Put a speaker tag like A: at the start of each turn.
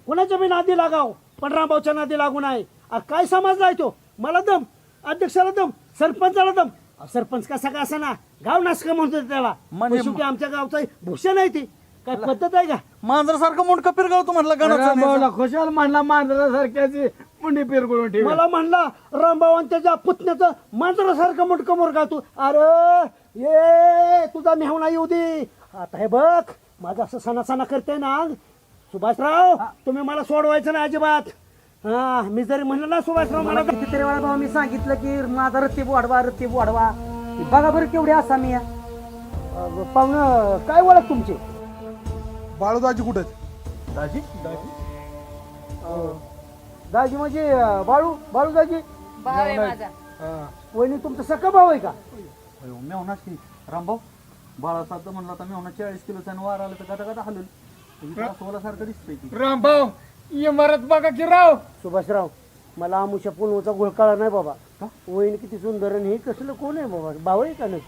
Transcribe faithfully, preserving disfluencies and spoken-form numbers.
A: कोणाच्या बी नादी लागाव पण रामभाऊच्या नादी लागू नाही. अ, काय समजलाय तो मला दम अध्यक्षाला दम सरपंचाला दम. अ, सरपंच कसा का असा ना गाव नासका म्हणतो त्याला
B: म्हणजे-
A: पण शेवटी आमच्या गावचं भूषण आहे ती काय पद्धत आहे का?
B: मांजरासारखं मुंडकं पिरगाव तुम्हाला
C: रामभाऊला खुशाल मांडला मांजरासारख्याची मुंडी पिरगुळून ठेवली.
A: मला म्हणला रामभाऊ आणि त्याच्या पुतण्याचं मांजरासारखं मोठकं मोरगा तू. अरे ये तुझा मेहणा येऊ दे. आता हे बघ माझं असं सणा सणा करते ना सुभाषराव तुम्ही मला सोडवायचं ना अजिबात. हा मी जरी म्हणलं ना सुभाषराव मला तर-
D: कितीतरी वेळा भाऊ मी सांगितलं की माझा रत्तीब वाढवा रत्तीब वाढवा. बघा बरं केवढे असा मी
A: अ, पाहुणं काय ओळख तुमची?
E: बाळूदाजी कुठे
A: दाजी दाजी म्हणजे अ, बाळू बाळू दाजी
F: भाव आहे माझा.
A: वहिनी तुमचा सख्खा भाऊ आहे का?
B: मेवनाच की रामभाऊ बाळासाहेब तर म्हणला आता मेवना चाळीस किलोचा आणि वार आलं तर गाता गाता हलल सोलासारखं दिसतंय की.
C: रामभाऊ इमारत बघा की राव.
A: सुभाषराव मला आमुषा पुनवचा घोळ कळा नाही बाबा. वहिनी किती सुंदर आणि हे कसलं कोण आहे बाबा भाऊ आहे का नाही?